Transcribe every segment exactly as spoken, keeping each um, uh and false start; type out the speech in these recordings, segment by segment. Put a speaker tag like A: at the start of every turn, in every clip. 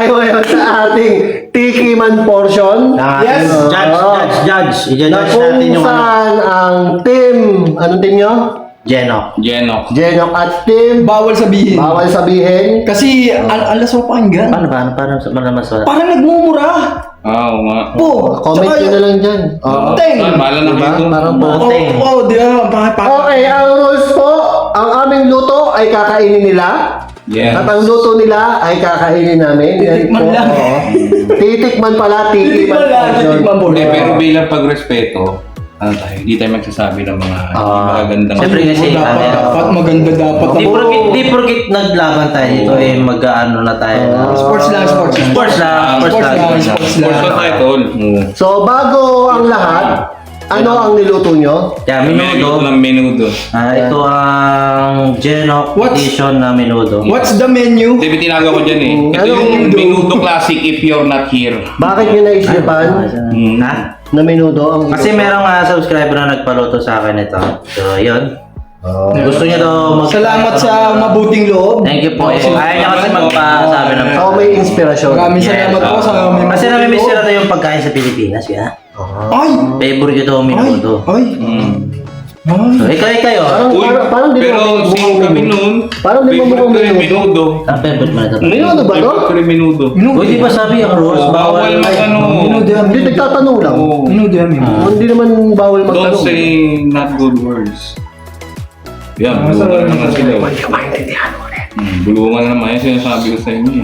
A: tayo ngayon sa ating Tikiman portion.
B: Yes.
A: Uh,
C: Judge, judge, judge.
A: Na
C: I-judge
A: kung
C: natin yung ano.
A: saan ang team, anong team nyo?
C: Genok.
D: Genok.
A: Genok at team.
B: Bawal sabihin.
A: Bawal sabihin.
B: Kasi al alas mo pakinggan.
C: Paano, paano, paano, paano mas wala?
B: Parang nagmumura.
D: Ah, oo nga.
B: Po.
A: Comment nyo na lang dyan. Oo.
B: Teng.
D: Ah, bahala na
A: Diba?
D: kayo dun.
A: Parang
B: Oo,
C: Boteng.
B: oh, di ba? Bakit pa?
A: Okay, ang rules po, ang aming luto ay kakainin nila.
D: Yes.
A: At ang luto nila ay kakainin namin. Yan
B: Titikman
A: po,
B: lang.
A: oo. Titikman pala,
B: Titikman
A: titikman
B: lang,
A: portion.
B: titikman po.
D: Hindi, pero bilang pagrespeto, ano tayo, hindi tayo magsasabi ng mga
C: Ah,
D: magagandang...
C: siyempre kasi,
B: dapat,
C: ano,
B: dapat maganda dapat.
C: Di
A: Oo.
C: porkit, di porkit naglaban tayo dito eh, mag-ano na tayo. na-
A: Ah.
B: Sports lang, sports lang.
C: Sports lang, sports
B: Sports
C: lang.
B: lang, sports lang.
D: Sports lang tayo, tol. Oo.
A: So, bago ang lahat, ano ang niluto nyo?
C: Kaya
D: Kami
C: minudo.
D: ng menudo.
C: Ah, ito ang Genok
B: What's-
C: edition na minudo.
B: What's the menu?
D: Hindi, tinaga ko dyan eh. Ito
A: Ano
D: yung
A: menudo?
D: menudo classic if you're not here.
A: Bakit nyo naisipan
D: Hmm.
C: Ha?
A: na minudo ang
C: Kasi merong uh, subscriber na nagpaluto sa akin ito. So, yun.
A: Oh.
C: Gusto niya daw mag-
B: Salamat sa mabuting loob.
C: Thank you po. Eh, ayaw niya kasi magpasabi ng...
A: So, may inspirasyon.
B: Maraming
C: Yes.
B: salamat po sa aming
C: Kasi
B: mabuting
C: namimiss
B: loob.
C: nila tayo yung pagkain sa Pilipinas, ya.
B: Ay!
C: Favorite ko daw
B: Ay!
C: minudo.
B: Ay!
D: Mm.
C: So,
B: Ay!
C: ikaw, kayo.
A: Parang,
D: Uy,
A: parang, parang di
D: pero
A: mo
D: same kami noon.
A: Parang di mo
D: Favorite
A: mukhang
D: ko yung
A: menudo.
D: menudo.
C: Ang favorite mo na ito.
A: Minudo ba to?
D: Favorite ko yung menudo.
C: Uy, di ba sabi ang rules,
D: Oo,
C: bawal
D: bawal mag ano.
B: Minudo yan.
A: Hindi, nagtatanong lang.
D: Oo.
B: Minudo yan.
C: Ah.
A: Hindi naman bawal
D: Don't
A: magtanong.
D: say not good words. Yan,
B: Ah,
D: bulungan
B: sorry.
D: na naman sila. oh.
A: Hindi ko maintindihan ulit.
D: Hmm, bulungan na naman yan sinasabi ko sa inyo. eh.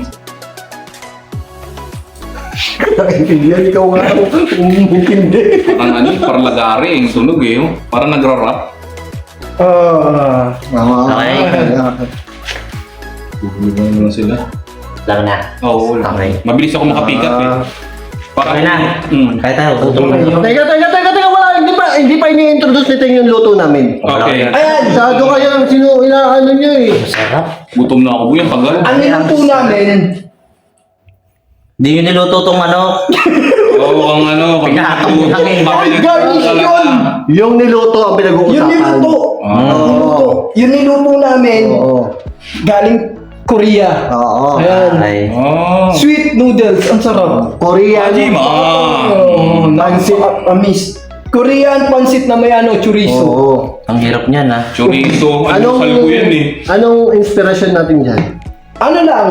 A: Naintindihan, ikaw nga ang umintindi.
D: Parang ano, eh, parang lagari yung tunog eh. oh. Parang nagra-rap.
B: Ah.
C: Okay.
D: Bulungan na naman sila.
C: Lang na.
D: Oo,
C: Okay.
D: mabilis ako makapikat eh. Para
C: Okay na.
D: Hmm.
C: Kaya tayo, tutulong na.
A: Teka, teka, teka, teka, wala. Hindi pa, hindi pa ini-introduce nito yung luto namin.
D: Okay.
A: Ayan, masyado kayo, sino, inaano nyo eh.
C: Sarap.
D: Gutom na ako buyan, tagal.
B: Ang niluto namin,
C: Di yun niluto tong ano.
D: Oo, ang ano,
C: Pinatong
D: kami-
C: lang eh.
D: kami-
B: Ay, garnish yun!
A: Yung niluto ang
B: yun
A: pinag-uusapan.
B: niluto.
D: Ah.
B: Yung niluto. Yung niluto namin,
A: Oo.
B: galing Korea.
A: Oo.
B: Ayan.
C: Ay.
D: Oh.
B: Sweet noodles, ang sarap.
A: Korean.
D: Hajima.
B: Oh,
A: Pansit.
B: Amis. Korean pansit na may ano, chorizo.
A: Oo.
C: Ang hirap niyan ha.
D: Chorizo. Ano,
A: Anong,
D: salgo yan eh.
A: anong inspiration natin dyan?
B: Ano lang?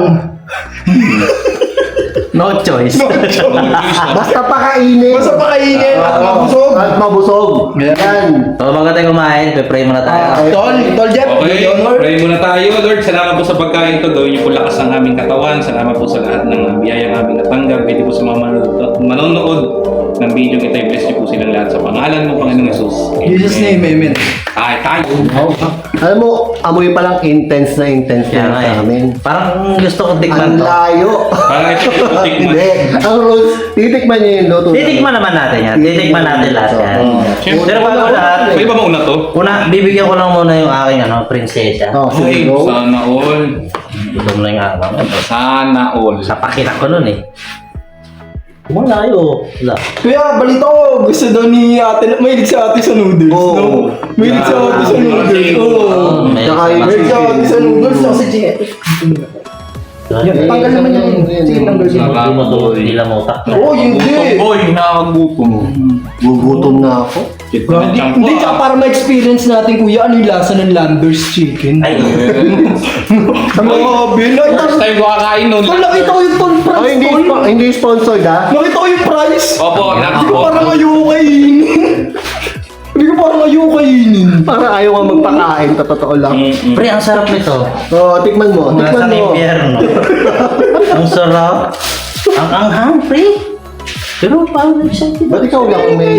C: No choice.
A: Basta pakainin.
B: Basta pakainin at
A: Oo.
B: mabusog.
A: At mabusog.
B: Yeah.
A: Yan.
C: So bago tayo kumain, pe-pray muna tayo.
B: Ah, Tol, Tol Jeff,
D: Okay,
B: good honor.
D: pray muna tayo. Lord, salamat po sa pagkain to. Gawin niyo po lakas ang aming katawan. Salamat po sa lahat ng biyayang aming natanggap. Pwede po sa mga manonood, manonood ng video kita. I-bless niyo po silang lahat sa pangalan mo, Panginoong Jesus.
B: In Jesus' name, amen.
D: Ay, tayo.
A: Alam mo, amoy pa lang intense na intense
C: Kaya
A: na
C: nga
A: sa
C: eh.
A: amin.
C: Parang gusto kong
A: Ang
C: tikman to.
A: layo.
D: Parang ito yung tikman.
A: Hindi. Ang rules, titikman niyo yung luto.
C: Titikman naman natin yan. Titikman natin lahat yan.
A: Oo.
D: Siyempre.
C: Pero bago lahat,
D: Pwede ba mauna to?
C: una, bibigyan ko lang muna yung aking ano, prinsesa.
A: Oh,
D: Ay,
A: sige, go.
D: sana all.
C: Gutom na yung ako.
D: Sana all.
C: Sa pakinak ko nun eh. Malayo. Wala.
B: Kuya, balita ko, gusto daw ni ate, mahilig si ate sa noodles,
A: Oo.
B: no? Mahilig si ate sa noodles, oo.
C: May-
A: Tsaka yung
B: Mahilig si ate sa noodles, kasi siya. Yan, tanggal naman yan. Sige, tanggal siya.
C: Hindi mo to, hindi lang mo utak.
B: Oo, hindi.
D: Gutom, boy. Nakakagutom.
A: Gugutom na ako.
D: Shit, na
B: Hindi,
D: champ
B: hindi,
D: ko,
B: tsaka
D: ah.
B: para ma-experience natin, kuya, ano yung lasa ng Landers chicken.
C: Ay,
B: Grabe, nakita
D: First time ko kakain nun.
B: Tol, nakita ko yung tol
A: Oh,
B: price,
A: hindi,
B: tol.
A: spo- hindi sponsored ah.
B: Nakita ko yung price.
D: Opo,
B: Hindi ko
D: nakapot.
B: parang ayoko kainin. Hindi ko parang ayoko kainin.
A: Parang ayaw nga magpakain, sa totoo lang.
D: Mm-mm.
C: pre, ang sarap nito.
A: Oh, tikman mo, tikman
C: Nasa
A: mo.
C: impyerno. Ang sarap. Ang anghang, pre. Pero parang excited.
A: Ba't ikaw lang may...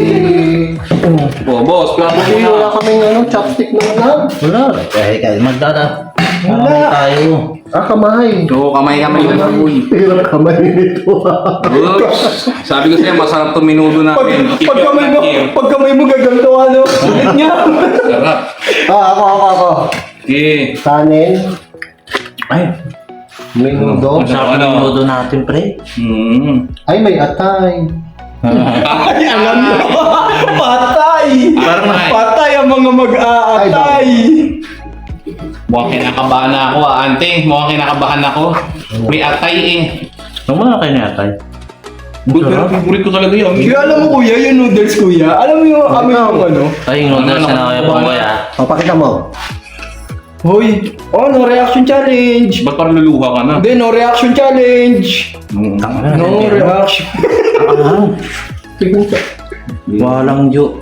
D: Oh, boss, plano
A: Hindi
D: mo
A: wala
D: na.
A: kaming ano, chopstick na wala.
C: Wala. Kaya kaya magdada.
B: Wala.
C: Wala. Tayo.
A: Ah, kamay.
D: Oo, kamay-kamay lang. Uy.
A: Hirap kamay nito.
D: Oops. Sabi ko sa'yo, masarap to menudo
B: Pag,
D: namin. If
B: pag
D: you're
B: kamay mo,
D: not here.
B: pag kamay mo gaganto, ano? Ulit niya.
D: Sarap.
A: Ah, ako, ako, ako.
D: Okay.
A: Kanin,
C: Ay,
A: menudo.
C: ang sarap
D: Ano?
C: ng nodo natin, pre.
D: Hmm.
A: Ay, may atay.
B: Ay, alam mo. Patay.
D: Parang-
B: Patay ang mga mag-aatay.
D: Mukhang kinakabahan na ako, ah. Ante. Mukhang kinakabahan ako. May atay eh.
C: Huwag mo na kayo natay.
D: Good, pero favorite ko talaga yun.
B: Kaya alam mo kuya, yung noodles kuya. Alam mo yung kami yung ano.
C: Ay, yung noodles na kaya pong kuya.
A: O, pakita mo.
B: Hoy, oh no reaction challenge.
D: Ba't parang luluha ka na?
B: Hindi, no reaction challenge.
D: Mm.
B: No reaction.
C: Ah, walang jo.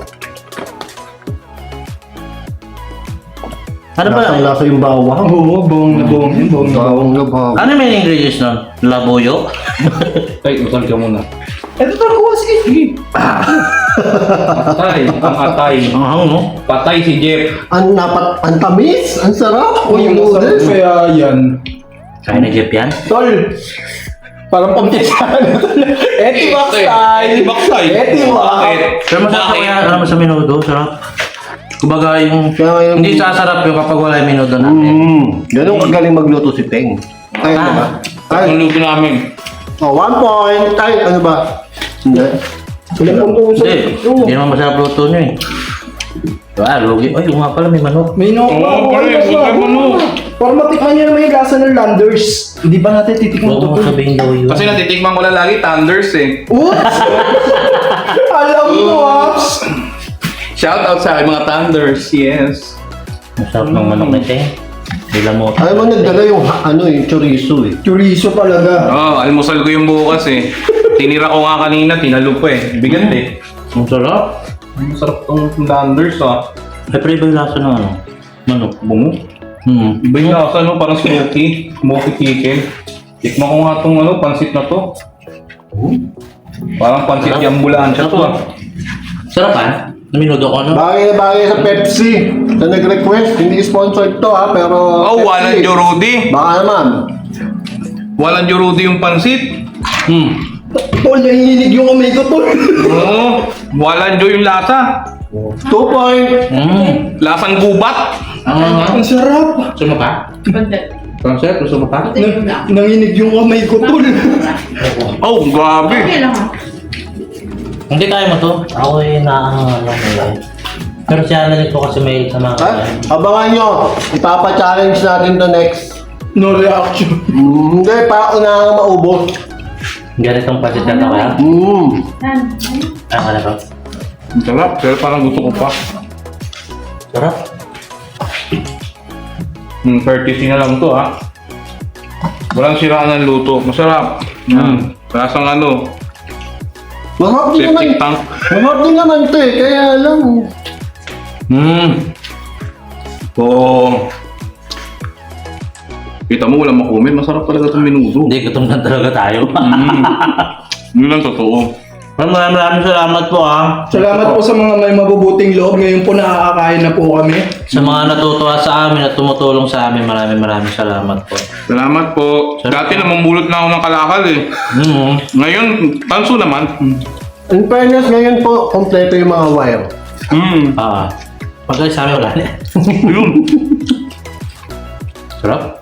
C: Ano ba?
A: Lasang lasa yung bawang.
B: Oo, bawang na bawang yun, bawang na bawang.
A: Bawang na bawang.
C: Ano may ingredients nun? Labuyo?
D: Ay, usal ka muna.
B: Ito talaga ko sige.
D: Atay, ang atay.
C: Ang hang, no?
D: Patay si Jeff.
A: Ang napat, ang tamis, ang sarap.
B: O yung masarap
A: noodles.
B: kaya yan.
C: Kaya na Jeff yan?
B: Tol, parang pampisahan na tol. Etimax style.
D: Etimax style.
B: Etimax.
D: Bakit?
C: Pero masarap
D: Bakit?
C: kaya, alam mo sa minudo, sarap. Kumbaga yung,
A: Kaya yung-
C: hindi sasarap yung kapag wala yung minudo natin.
A: Mm, ganun kagaling magluto si Teng. Ay, ano ba? Ay,
D: Ang luto namin.
A: oh, one point. Ay, ano ba? Hindi.
B: Walang pampuso.
C: Hindi, hindi naman masarap luto nyo eh. Ah, lugi. Ay, yung nga pala may manok.
B: May no.
D: Oo, pare, may manok.
B: Para matikman niya naman yung lasa ng Landers. Hindi ba natin titikman
C: Huwag
B: ito?
C: mo sabihin daw yun.
D: Kasi natitikman ko lang lagi, Thunders eh.
B: Oops! Alam mo, Ops!
D: Shout out sa aking mga Thunders, yes.
C: Masarap ng manok na ito eh. Bila mo.
A: Alam mo, nagdala yung, ha- ano, yung chorizo eh.
B: Chorizo talaga.
D: Oh, almusal ko yung bukas eh. Tinira ko nga kanina, tinalo pa eh. Bigat eh.
C: Ang sarap.
D: Masarap tong Thunders ah.
C: Siyempre iba yung lasa ng ano? Manok.
D: Bungo.
C: Hmm.
D: Iba yung lasa no, parang smoky. Smoky chicken. Tikman ko nga tong ano, pansit na to. Parang pansit yung ambulansya to ah.
C: Sarap ah. Naminudo ko ano?
A: Bagay na bagay sa Pepsi. Na nag-request, hindi sponsored to ha, pero...
D: Oh,
A: Pepsi.
D: walang Jorudi.
A: Baka naman.
D: Walang Jorudi yung pansit.
C: Hmm.
B: Tol, nanginginig yung kamay ko, Tol.
D: Oo. Walang Jo yung lasa.
A: Two point.
C: Hmm.
D: Lasang gubat.
C: Ah,
B: Ang sarap.
C: gusto mo pa? Concept, gusto mo pa?
B: Nang- nanginig yung kamay ko, Tol.
D: Oh, grabe.
E: Okay lang ha.
C: Hindi kaya mo to. Ako eh, naaangal lang nila. Pero siya na ko kasi may sa mga
A: Ha? Abangan nyo. Ipapa-challenge natin to next.
B: No reaction.
A: Mm, hindi, para unang maubos.
C: ganitong pasit na to kaya.
A: Mm.
E: Yan.
C: Ano ka na to?
D: Ang sarap, pero parang gusto ko pa.
C: Sarap.
D: Hmm, courtesy na lang to ha. Walang siraan ng luto. Masarap. Hmm. Lasang ano,
A: Mahal din naman.
D: septic tank.
A: Mahal din naman to eh, kaya lang.
D: Hmm. Oo. Kita mo, walang makumin. Masarap talaga itong minudo.
C: Hindi, gutom na talaga tayo.
D: Hmm. Yun lang totoo.
C: Maraming maraming salamat po ah.
B: Salamat po sa mga may mabubuting loob. Ngayon po nakakakain na po kami.
C: Sa mga natutuwa sa amin at tumutulong sa amin, maraming maraming salamat po.
D: Salamat po. Dati namumulot na ako ng kalakal eh.
C: Hmm.
D: Ngayon, tanso naman.
A: In fairness, ngayon po, kompleto yung mga wire.
D: Hmm.
C: Ah. Pagka sa amin wala na.
D: Yun.
C: Sarap.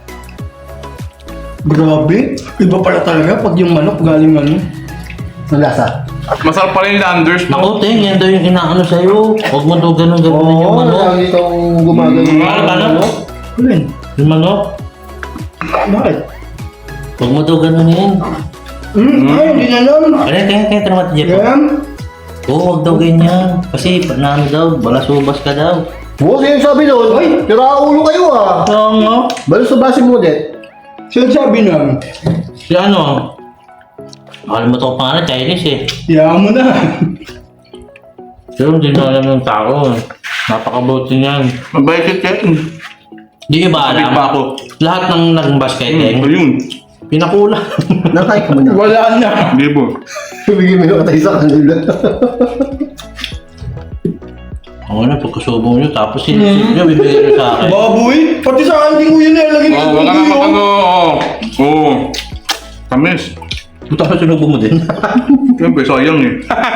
B: Grabe. Iba pala talaga pag yung manok galing ano.
A: Ang lasa.
D: Masarap pa rin yung Landers.
C: Naku, Ting, yan daw yung inaano sa'yo. Huwag mo daw ganun gawin yung
A: Oo,
C: manok.
A: lagi itong gumagano.
D: Mm,
C: ano ba, ano?
B: Alin?
C: Yung manok.
B: Bakit?
C: Huwag mo daw ganunin.
B: Hmm, ay, hindi na alam.
C: Ano, tingnan, tingnan, tingnan natin, Jeff.
B: Yan.
C: Oo, huwag daw ganyan. Kasi, na ano daw, balasubas ka daw.
A: Oo, sino sabi doon?
B: Ay!
A: Tira ulo kayo ah.
C: Oo nga.
A: Balo sa base mo ulit.
B: Siya sabi namin.
C: Si ano? Nakalimutan ko pangalan, Chinese eh.
B: Hayaan mo na.
C: Pero hindi na alam ng tao. Napakabuti niyan.
D: Mabait si Chen.
C: Hindi nyo ba alam?
D: Sabi pa ako.
C: Lahat ng nag-basket eh,
D: Hmm. Ayun.
C: pinakulang.
A: Nakay ka mo na.
B: Wala na.
D: Di ba?
A: Bigyan mo yung katay sa kanila.
C: Ang ano, pagkasubong nyo, tapos sinisip nyo, bibigyan nyo sa akin.
B: Baboy. Pati sa akin, hindi ko yun nilagay
D: Oo,
B: ng
D: wag ka na
B: baboy.
D: makano.
B: oh.
D: Oo. Oo. Tamis.
C: Buta ka sinubo mo din.
D: Siyempre, sayang eh.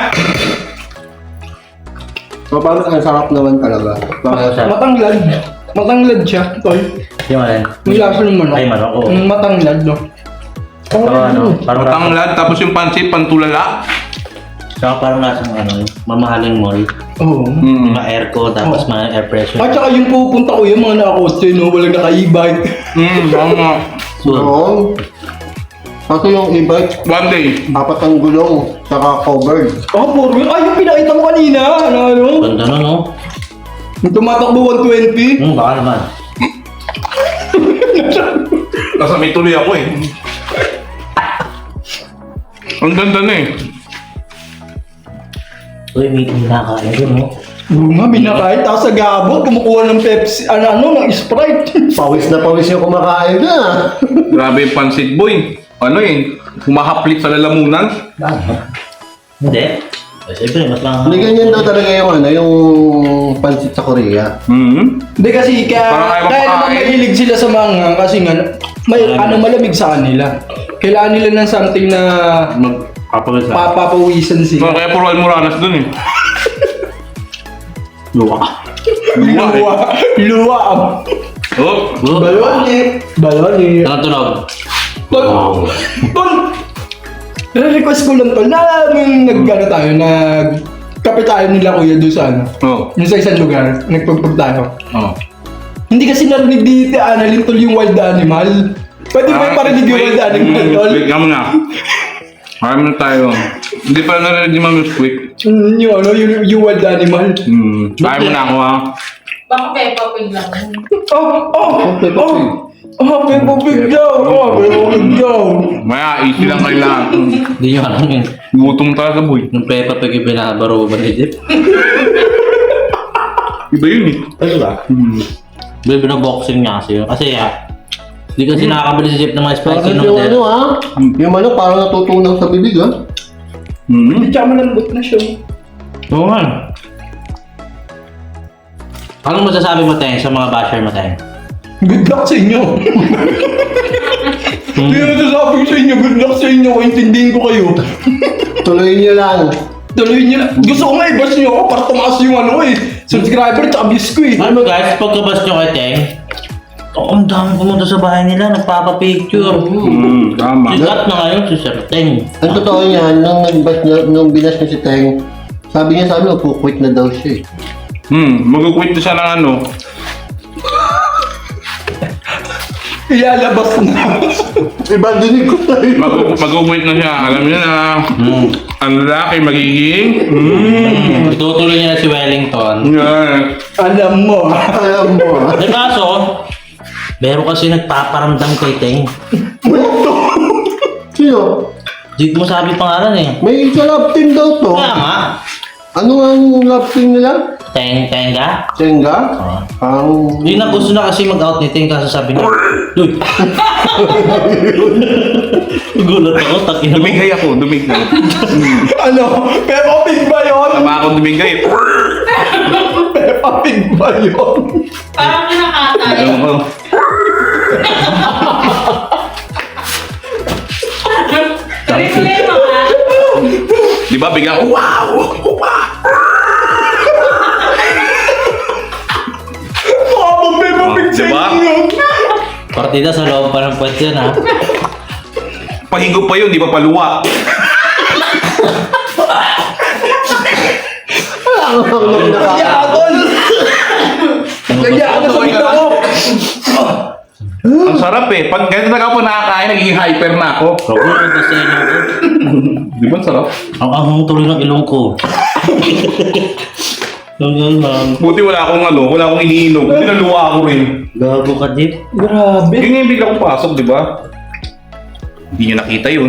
A: So, parang ang sarap naman talaga. Parang
C: Sarap.
B: Matanglad. Matanglad siya, tol.
C: Yung alin?
B: May lasa ng manok.
C: Ay, manok, oo.
B: Ang matanglad, no?
C: Saka ano, parang lasa,
D: Matanglad, tapos yung pansit, pantulala.
C: saka parang lasang ano, mamahaling mall.
B: Oo.
D: Hmm.
C: Mga airco, tapos mga air pressure.
B: At saka yung pupunta ko yung mga nakakotse, no? Walang naka-e-bike.
D: Hmm, tama.
C: So,
A: Oo. Kaso yung e-bike,
D: One day.
A: apat ang gulong, saka covered.
B: Oh, puro yun. Ay, yung pinakita mo kanina. Ano, ano?
C: Ganda na, no?
B: Yung tumatakbo one twenty.
C: Hmm, baka naman.
D: Nasa may tuloy ako eh. Ang ganda na eh.
C: Uy, may kinakain yun, no?
B: Oo nga, binakain. Tapos sa gabot, kumukuha ng Pepsi, ano, ano, ng Sprite.
A: Pawis na pawis yung kumakain na.
D: Grabe yung pansit boy. Ano eh, humahaplit sa lalamunan.
C: Hindi. Eh, siyempre, mas lang.
A: Hindi ganyan daw talaga yung ano, yung pansit sa Korea.
D: Hmm.
B: Hindi kasi kaya,
D: Parang ayaw
B: kaya naman
D: mapakain.
B: mahilig sila sa mga kasi nga, may ano malamig sa kanila. Kailangan nila ng something na
C: Magpapagod sa...
B: papapawisan
D: So,
B: sila.
D: kaya puro almoranas dun eh.
C: Luwa.
B: Luwa. Luwa.
D: Oh,
C: Oh,
B: Baloni. Baloni.
C: Tanong tunog.
B: Tol. Tol. Request ko lang tol na nung nag-ano tayo, nag kape tayo nila kuya doon sa ano.
D: oh,
B: Yung sa isang lugar, nagpagpag tayo.
D: oh.
B: Hindi kasi narinig dito, Annalyn, tol, yung wild animal. Pwede ba yung parinig yung wild animal, tol?
D: Wait, kamo na. Kaya na tayo. Hindi pa narinig ni Mami Squeak.
B: Mm, yung ano, yung, yung wild animal.
D: Hmm. Kaya mo na ako ha.
E: Baka Peppa Pig lang.
B: Oh, oh, oh. Oh, Peppa Pig daw. Oh, Peppa Pig daw.
D: Maya, easy lang kayo lahat.
C: Hindi nyo alam yun.
D: Gutom talaga boy.
C: Yung Peppa Pig yung binabaro ba ni Jeep?
D: Iba yun eh.
C: Ano ba?
D: Hmm.
C: May binaboxing niya kasi yun. Kasi ah, hindi kasi nakakabili si Jeep ng mga spicy
A: Parang yung ano
C: noodles.
A: ha, yung ano parang natutunaw sa bibig ha.
D: Hmm.
B: Hindi tsaka malambot na siya.
C: Oo nga. Anong masasabi mo, Teng, sa mga basher mo, Teng?
B: Good luck sa inyo. Hindi na sasabi ko sa inyo, good luck sa inyo. Intindihin ko kayo.
A: Tuloy niyo lang.
B: Tuloy niyo na. Gusto ko nga i-bash niyo ako para tumaas yung ano eh. Subscriber tsaka views ko eh.
C: Alam mo guys, pagkabas nyo kay Teng, oh, ang dami pumunta sa bahay nila, nagpapapicture.
D: Hmm. Tama.
C: Sikat na ngayon si Sir Teng.
A: Ang totoo niyan, nung nag-bash niya, nung binas niya si Teng, sabi niya sa amin, pukwit na daw siya eh.
D: Hmm. Mag-quit na siya ng ano.
B: Ilalabas na.
A: Iba dinig ko tayo.
D: Mag- Mag-quit na siya. Alam niyo na.
C: Hmm.
D: Ang lalaki magiging. Hmm.
C: Itutuloy niya na si Wellington.
D: Yan.
B: Alam mo.
A: Alam mo ha.
C: Eh kaso, meron kasi nagpaparamdam kay Teng.
A: Sino?
C: Di mo sabi pangalan eh.
A: May isa love team daw to.
C: Kaya nga,
A: Ano ang love team nila?
C: Teng, Tenga.
A: Senga?
C: Oh.
A: Ang...
C: Yun na gusto na kasi mag-out ni Teng kaso sabi niya, Uy! Gulat ako, takin mo.
D: Dumigay ako. Dumigay.
B: Ano? Peppa Pig ba yun?
D: Tama ako dumigay.
B: Peppa Pig ba yun?
E: Parang kinakatay.
D: Ewan ko.
E: Replay mo ka.
D: Di ba bigla? Wow! Wow!
B: Mukha mo Peppa Pig sa
D: Diba?
B: inyo.
C: Partida sa loob pa ng puwet yun ha.
D: Pahigo pa yun, di ba paluwa?
B: Kaya ako. Kaya ako sa pita ko.
D: Ang sarap eh. Pag ganito na ako nakakain, nagiging hyper na ako.
C: Robo, ang gusto yun ako.
D: Di ba ang sarap?
C: Ang ahong tuloy ng ilong ko. Ang galang.
D: Buti wala akong ano, wala akong iniinom. Buti naluwa ako rin.
C: Gago ka, Jeep.
B: Grabe.
D: Yun yung bigla kong pasok, di ba? Hindi niya nakita yun.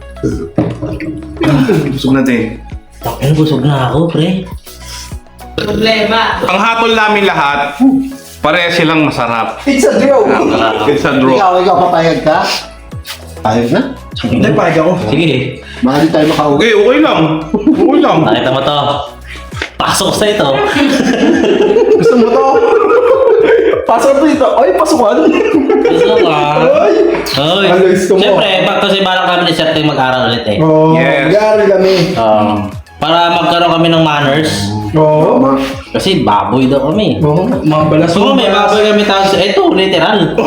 D: Busog natin.
C: Takin, busog na ako, pre.
E: Problema.
D: Ang hatol namin lahat, pareha silang masarap.
B: It's a joke.
D: It's a draw.
A: Ikaw, ikaw, papayag ka? Payag na?
B: Hindi, pahig ako.
C: Sige,
A: Baka di tayo makauwi.
D: Okay, okay lang. Okay lang.
C: nakita mo to. Pasok sa ito.
B: Gusto mo to? Pasok dito. Ay, pasukan.
C: Pasok ka.
B: Ay.
C: Oy.
B: Ang gusto mo.
C: Siyempre, pag kasi parang kami ni Sir Teng mag-aral ulit eh.
B: Oh,
D: Yes.
B: gari kami.
C: Um, para magkaroon kami ng manners.
B: Oo.
A: Ma-
C: Kasi baboy daw kami.
B: Oo, mga balas.
C: So, may baboy kami tapos, eto, literal.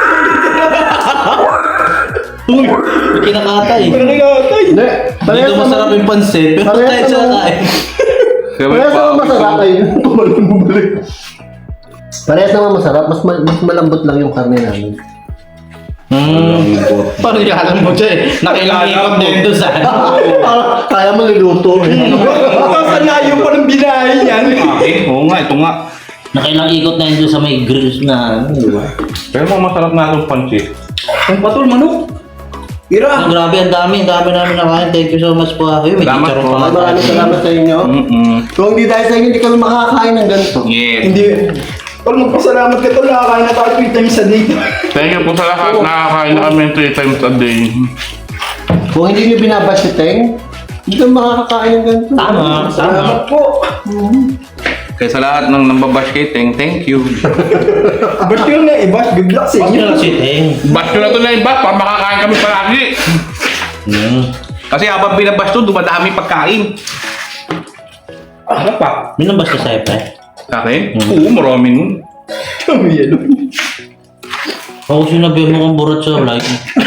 C: Uy, may kinakatay.
B: Pero kinakatay.
A: Hindi. Parehas
C: Dito masarap
A: naman-
C: yung pansit, pero
A: Parehas
C: tayo sa
A: naman-
C: kain.
A: Parehas naman masarap ay tumalong bumalik. Parehas naman masarap, mas, ma- mas malambot lang yung karne namin.
C: Hmm. Paano yung alam mo siya eh? Nakailang ikot din doon sa...
A: Ah, Kaya mo niluto.
B: Saan layo pa ng binahe niyan?
D: Okay, oo nga, ito nga.
C: Nakailang ikot na yun doon sa may grills na ano, di ba?
D: Pero mga masarap na itong pancit.
B: Ang patol, manok. Ira.
C: Ang grabe, ang dami, ang dami namin nakain. Thank you so much po. Ay, may
D: Salamat
C: chicharon
D: po.
C: pa nga
A: Maraming
C: tayo.
A: salamat sa inyo.
D: Mm-mm.
A: Kung hindi dahil sa inyo, hindi kami makakain ng ganito.
D: Yes.
B: Hindi. Tol, magpasalamat ka tol. Nakakain na tayo three times a day.
D: Thank you po sa lahat. Nakakain na kami three times a day.
A: Kung hindi nyo binabash si Teng, hindi kami makakakain ng ganito.
C: Tama, tama.
B: Salamat po.
D: Kaya sa lahat ng nambabash kay Teng, thank you.
B: Ba't yun nga, eh? Ba't good luck sa
C: Huwag
B: inyo?
C: nyo lang si Teng.
D: Bash ko na ito na yung bash para makakain kami palagi.
C: Hmm.
D: Kasi habang binabash to, dumadami pagkain.
B: Ano pa?
C: Minabas ka sa'yo, pre?
D: Sa akin? Oo, marami nun.
B: Kami yan.
C: Ako sinabi mo kong burat sa like.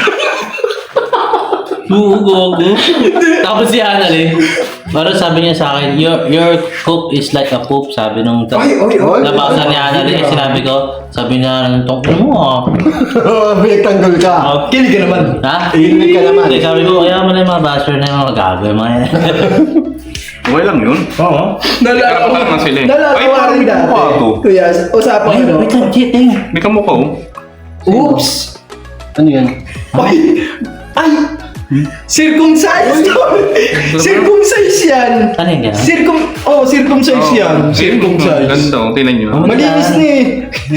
C: Oo, gogo. Tapos si Annalyn, parang sabi niya sa akin, your, your cook is like a poop, sabi nung
B: Ay, ay, ay.
C: nabasa ni Annalyn, eh, sinabi ko, sabi niya, tongkin mo ah.
A: Pinagtanggol ka.
C: Oh,
B: Kilig ka naman.
C: ha?
A: Kilig ka naman.
C: Hindi, sabi ko, kaya mo na yung mga basher na yung mga gagawin mga yan.
D: Okay lang yun.
C: Oo.
D: Kaya pa naman sila eh. Ay,
B: Nalalawa
D: parang
B: rin dati.
D: mukha to.
B: Kuya, usapan
C: Ay,
B: ko.
C: wait lang, cheating.
D: May kamukha oh.
B: Oops!
A: Ano yan?
B: Ay! Ay! Circumcised! Circumcised yan!
C: Ano yung gano'n?
B: Circum... Oh, circumcised yan. Circumcised.
D: Ganda oh, tingnan nyo.
B: Malinis na eh.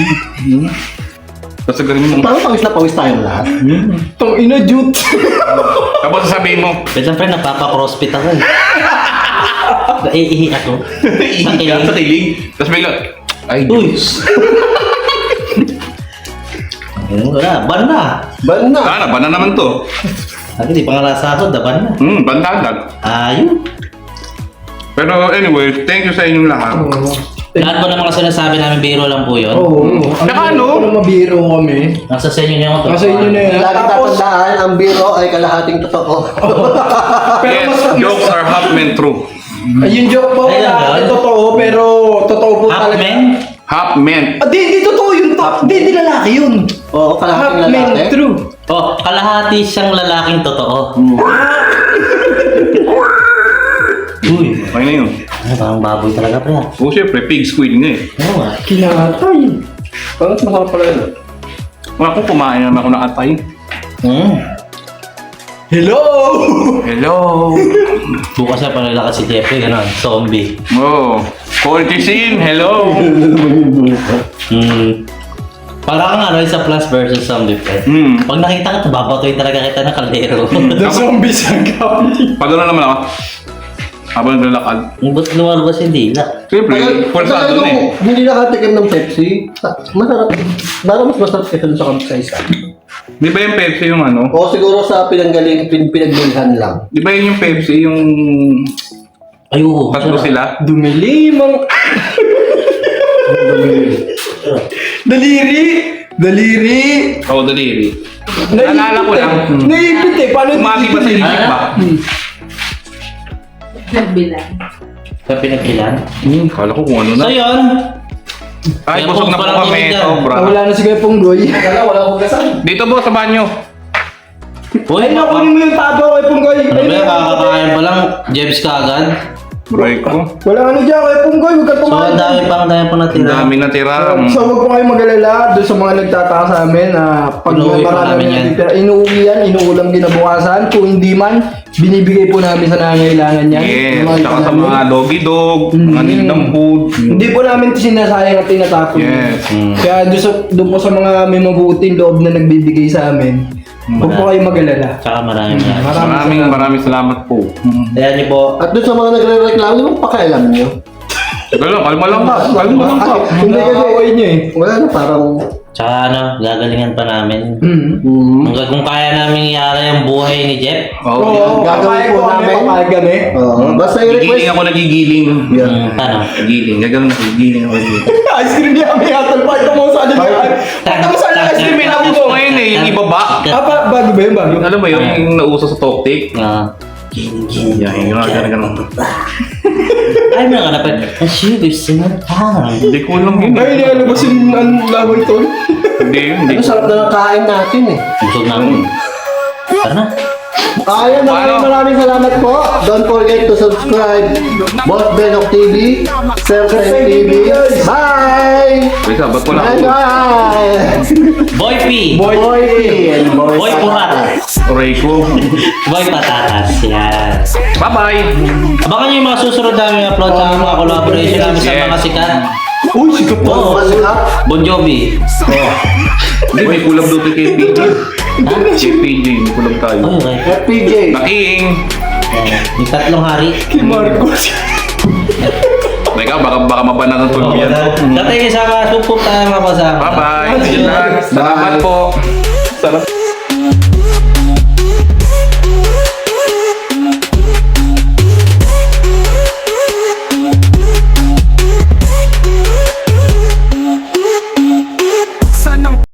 D: Tapos galing mo.
A: Parang pawis na pawis tayong lahat.
B: Tong ina, jute.
D: Tapos sasabihin mo,
C: Wait lang, friend, napapa-crossfit ako eh. Naiihi ako. Sa
D: iiyak sa
C: kilig.
D: tilig. Tapos bigla, ay,
C: Uy! Ayun, wala, ban na.
A: Ban na.
D: sana, ba na naman to?
C: Ay, hindi pa nga nasahod, na ban na.
D: Hmm, bandadag.
C: Ayun.
D: Pero anyway, thank you sa inyong lahat.
C: Lahat po ng mga sinasabi namin, biro lang po yun.
B: Oo.
D: Saka ano?
B: Ano mabiro kami.
C: Nasa sa inyo na yung
B: Nasa inyo na yan.
A: Lagi
B: Tapos,
A: tatandaan, ang biro ay kalahating totoo.
B: pero
D: Yes,
B: mas...
D: jokes are half meant true.
B: Ay, yung joke po,
C: Ayun,
B: wala
C: yun.
B: totoo, pero totoo po
C: Half
B: talaga.
C: men?
D: Half meant.
B: Ah, di, di totoo yun to. Di, di lalaki yun.
A: Oo,
B: Half
A: kalahating
B: men,
A: lalaki.
B: true.
C: Oh, kalahati siyang lalaking totoo. Uy,
D: Okay na yun.
C: ano parang baboy talaga pre ah.
D: Oo, syempre, pig squid nga eh.
C: Oo nga.
B: Kinatay.
A: Parang masarap pala yun.
D: Wala akong kumain naman ako ng atay.
C: Hmm.
B: Hello!
D: Hello!
C: Bukas na panalakas si Jeffrey, gano'n, zombie.
D: Oh, quality scene, hello!
C: Hmm. Parang ano, isa plus versus zombie pre.
D: Hmm,
C: Pag nakita ka, babatoy talaga kita ng kaldero.
B: The zombies ang kami.
D: pagano naman ako. Habang naglalakad.
C: Ang ba't lumalabas yung dila?
D: Siyempre, pulsado na eh.
A: Hindi nakatikim ng Pepsi. Masarap. Parang mas masarap kasi sa kapsaisa.
D: Di ba yung Pepsi yung ano?
A: O siguro sa pinanggaling, pin, pinagbilhan lang.
D: Di ba yun yung Pepsi yung
C: Ay, oo.
D: tatlo sila?
B: Dumilimang... Daliri! Daliri!
D: Oo, daliri.
B: Naipit
D: Naalala ko
B: eh.
D: lang.
B: Naipit eh. Paano
D: Umagi ba sa isip ba?
E: Nagbilang.
C: Sa pinagkilan.
D: Hmm, kala ko kung ano na.
C: So yun.
D: Ay,
C: Kaya
D: busog na
C: po,
D: po
C: parang
D: kami.
C: tumigil.
D: Sobra.
B: Ah, wala na si Kuya Punggoy.
A: Kala wala akong gasan.
D: Dito po sa banyo.
C: Uy,
B: Ay, nakunin mo yung tabo Kuya Punggoy.
C: ano ba, kakakain pa lang, Jebs ka agad.
D: Bray ko.
B: Wala ano dyan Kuya Punggoy. Huwag ka
C: So,
B: tumahan.
C: ang dami pa, ang dami pa
D: Ang
C: natira.
D: dami na tira.
B: So, huwag po kayo mag-alala doon sa mga nagtataka sa amin na pag
C: Inuuwi po
B: marami
C: namin
B: na
C: yan.
B: natitira, inuuwi yan, inuulam kinabukasan. Kung hindi man, binibigay po namin sa nangangailangan yan.
D: Yes,
B: Yung mga
D: saka sa
B: namin.
D: mga doggy dog, mga
B: Mm.
D: nindang food.
B: Hindi po namin sinasayang at tinatapon.
D: Yes.
C: Hmm.
B: Kaya doon, sa, doon po sa mga may mabuting loob na nagbibigay sa amin, huwag po kayo mag-alala.
C: Tsaka maraming maraming.
D: Maraming maraming salamat po.
C: Kaya niyo po,
A: At doon sa mga nagre-reklamo, ano bang pakialam nyo?
D: Wala, kalma lang pa. Kalma lang pa.
B: Hindi kasi away niyo eh.
A: Wala na, parang...
C: tsaka ano, gagalingan pa namin.
B: Mm.
A: Hmm.
C: Kung, kung kaya namin iara yung buhay ni Jeff,
D: Oo.
B: Oo,
A: gagawin
B: papayag
A: po
B: po kami,
A: namin.
B: papayag kami.
A: Oo. Basta
D: Nagigiling
A: i-request.
D: ako, nagigiling.
A: Yeah.
C: hmm, paano?
D: Nagigiling. Gagawin ako, nagigiling ako.
B: Ice cream niya kami hatol pa. Ito mo sa akin. Ito mo sa akin ice cream
D: May
B: niya
D: nauso ngayon eh, yung ibaba.
B: Ah, pa- bago ba yun? Bago?
D: Alam mo yun, yung nauso sa Toktik.
C: Ah, Gin-gin.
D: Yeah, yung nga ganun ganun.
C: Ay, mga kanapan. Ang sugar sinatang.
D: Hindi ko lang yun.
B: Ay, nilalabas yung ang laway tol.
D: Hindi yun, hindi
A: Ano, sarap na ng kain natin eh.
C: Busog namin. Tara na.
A: Ayun, maraming maraming salamat po. Don't forget to subscribe. Boss Benok T V, Serpent T V. Bye!
D: Wait, ba't wala
A: Bye
D: ako?
A: guys!
C: Boy P!
A: Boy P and Boy
C: Boy Purat!
D: Aray ko.
C: Boy Patatas. Yan.
D: Bye-bye!
C: Abangan nyo yung mga susunod namin upload sa mga collaboration namin sa mga sikat.
B: Uy, sikat po.
C: Oo.
A: Masarap.
C: Bon Jovi.
D: Hindi, may kulab doon kay P J. Kay P J, may kulab tayo.
C: Oh, okay.
A: F P J.
D: Naking!
C: Yan. Yung tatlong hari.
B: Kay Marcos.
D: Teka, baka, baka mabanan ng tulog yan.
C: Sa tayo sa mga supok tayo mga kasama.
D: Bye-bye! Salamat po!
B: Sarap.